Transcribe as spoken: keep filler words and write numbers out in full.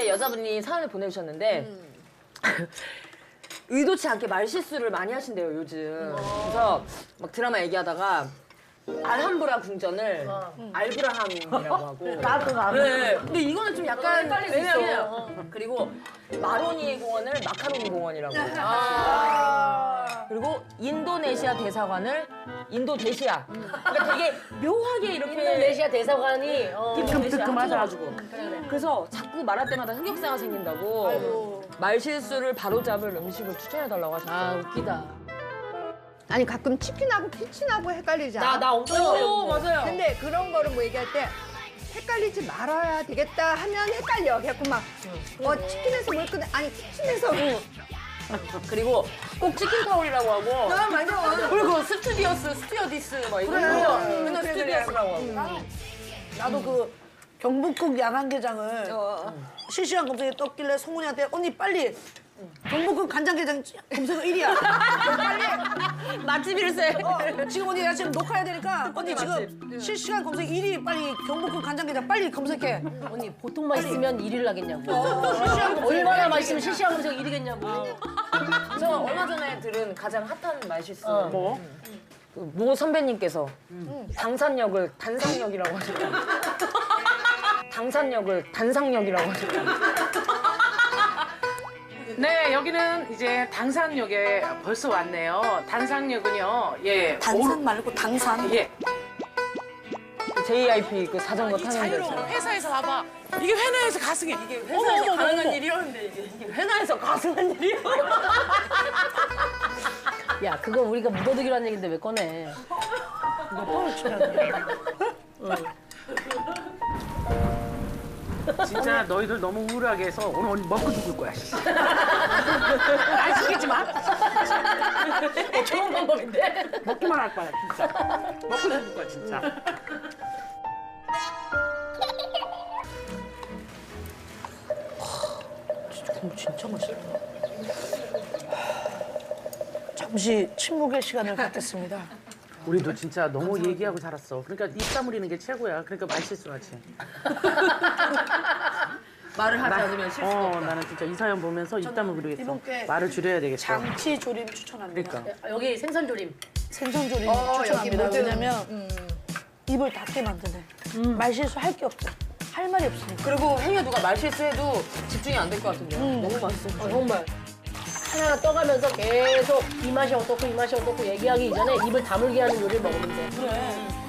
이렇게 여자분이 사연을 보내주셨는데 음. 의도치 않게 말실수를 많이 하신대요 요즘. 그래서 막 드라마 얘기하다가 알함브라 궁전을 어. 알브라함이라고 하고. 나도 나도. 네. 근데 이거는 좀 약간 헷갈릴 수 왜냐면 있어. 그리고 마로니 공원을 마카로니 공원이라고. 아. 그리고 인도네시아 대사관을 인도대시아. 그러니까 되게 묘하게 이렇게 인도네시아 대사관이 어. 인도네시아 뜨끔하다. 합쳐가지고. 그래서 자꾸 말할 때마다 흑역사가 생긴다고. 아이고. 말실수를 바로잡을 음식을 추천해달라고 하셨어요. 아 웃기다. 아니 가끔 치킨하고 키친하고 헷갈리지 않아? 나 나 엄청 헷갈려. 오, 맞아요. 근데 그런 거를 뭐 얘기할 때 헷갈리지 말아야 되겠다 하면 헷갈려. 그래갖고 막 어, 치킨에서 뭘 끄네. 아니 키친에서 그리고 꼭 치킨 타올이라고 하고. 아 맞아. 그리고 스튜디오스, 스튜어디스 막 이런 그래. 거. 음, 맨날 그래, 스튜디오스라고 하고. 나도 그 경북국 야간게장을 어. 실시간 검색에 떴길래 성훈이한테 언니 빨리 경북국 간장게장 검색어 일 위야. 빨리. 맛집일세. 어, 지금 언니 나 지금 녹화해야 되니까 언니 지금 실시간 검색 일 위 빨리 경북국 간장게장 빨리 검색해. 언니 보통 맛있으면 일 위를 하겠냐고. 실시간 검색. 얼마나 맛있으면 실시간 검색 일 위겠냐고. 저 얼마 전에 들은 가장 핫한 말실수. 어. 뭐? 그 모 선배님께서 당산역을 단상역이라고 하셨다. 당산역을 단상역이라고 하셨다. 네, 여기는 이제 당산역에 벌써 왔네요. 당산역은요, 예. 단산 말고 당산. 오, 예. 제이아이피 그 자전거 타는 자유로운 데서. 회사에서 와봐. 이게 회사에서 가승해. 이게 회사에서 가능한 일이었는데 이게, 이게 회사에서 가능한 일이야. 야 그거 우리가 묻어두기로 한 얘긴데 왜 꺼내? 진짜 너희들 너무 우울하게 해서 오늘 오늘 먹고 죽을 거야. 씨. 날 시키지 마. 어, 좋은 방법인데? 먹기만 할 거야, 진짜. 먹고 죽을 거야, 진짜. 진짜 맛있다. 잠시 침묵의 시간을 갖겠습니다. 우리도 진짜 너무 얘기하고 살았어. 그러니까 입 다물리는 게 최고야. 그러니까 말 실수하지. 말을 하지 않으면 실수가 어, 없다. 나는 진짜 이 사연 보면서 입 다물기로 이분께 했어. 말을 줄여야 되겠어. 장치 조림 추천합니다. 그러니까. 여기 생선조림. 생선 조림 어, 여기 추천합니다. 모든- 왜냐면 입을 닫게 만드네. 말실수 할 게 없어. 할 말이 없으니까. 그리고 행여 누가 말실수해도 집중이 안 될 것 같은데요. 너무 맛있어. 어, 정말. 하나하나 떠가면서 계속 이 맛이 어떻고 이 맛이 어떻고 얘기하기 이전에 입을 다물게 하는 요리를 먹으면 돼. 그래.